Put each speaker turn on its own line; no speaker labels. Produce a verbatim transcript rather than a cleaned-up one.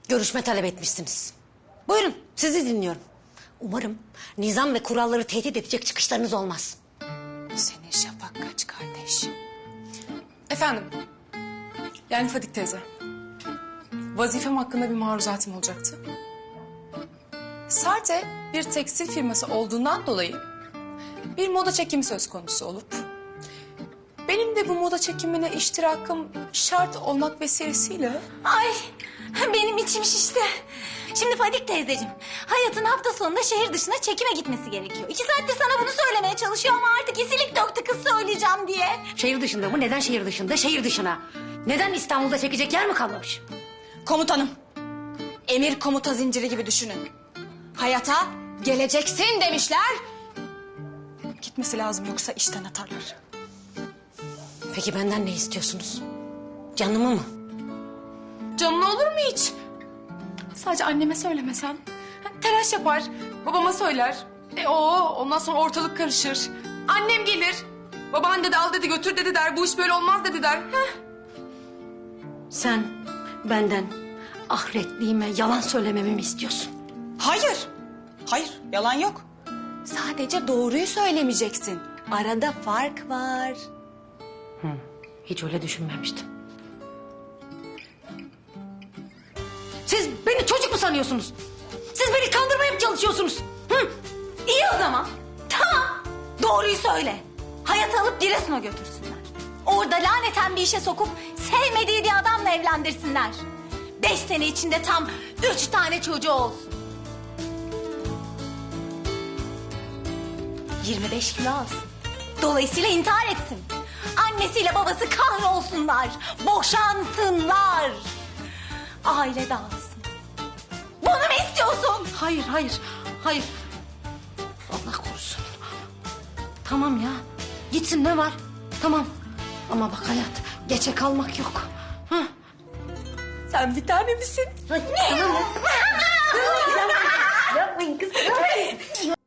görüşme talep etmişsiniz. Buyurun, sizi dinliyorum. Umarım nizam ve kuralları tehdit edecek çıkışlarınız olmaz.
Senin şafak kaç kardeş? Efendim, yani Fadik teyze. Vazifem hakkında bir maruzatım olacaktı. Sarte bir tekstil firması olduğundan dolayı bir moda çekimi söz konusu olup... benim de bu moda çekimine iştirakım şart olmak vesilesiyle...
Ay benim içim şişti. Şimdi Fadik teyzeciğim, Hayat'ın hafta sonunda şehir dışına çekime gitmesi gerekiyor. İki saattir sana bunu söylemeye çalışıyor ama artık isilik döktü kız söyleyeceğim diye.
Şehir dışında mı? Neden şehir dışında? Şehir dışına. Neden İstanbul'da çekecek yer mi kalmamış?
Komutanım, emir komuta zinciri gibi düşünün. Hayat'a geleceksin demişler. Gitmesi lazım yoksa işten atarlar.
Peki benden ne istiyorsunuz? Canımı mı?
Canın olur mu hiç? Sadece anneme söylemesen. Ha, telaş yapar, babama söyler. E o ondan sonra ortalık karışır. Annem gelir. Baban dedi al dedi götür dedi der. Bu iş böyle olmaz dedi der. Heh.
Sen benden ahiretliğime yalan söylememi mi istiyorsun?
Hayır, hayır yalan yok. Sadece doğruyu söylemeyeceksin. Arada fark var.
Hiç öyle düşünmemiştim. Siz beni çocuk mu sanıyorsunuz? Siz beni kandırmaya mı çalışıyorsunuz? Hı?
İyi o zaman. Tamam. Doğruyu söyle. Hayatı alıp Giresun'a götürsünler. Orada laneten bir işe sokup sevmediği bir adamla evlendirsinler. Beş sene içinde tam üç tane çocuğu olsun. Yirmi beş kilo alsın. Dolayısıyla intihar etsin. Annesiyle babası kahrolsunlar. Boşansınlar. Aile dağılsın. Bunu mu istiyorsun?
Hayır, hayır, hayır. Allah korusun. Tamam ya, gitsin ne var? Tamam. Ama bak hayat, geçe kalmak yok. Hı?
Sen bir tane misin?
Tamam. Yapmayın kız.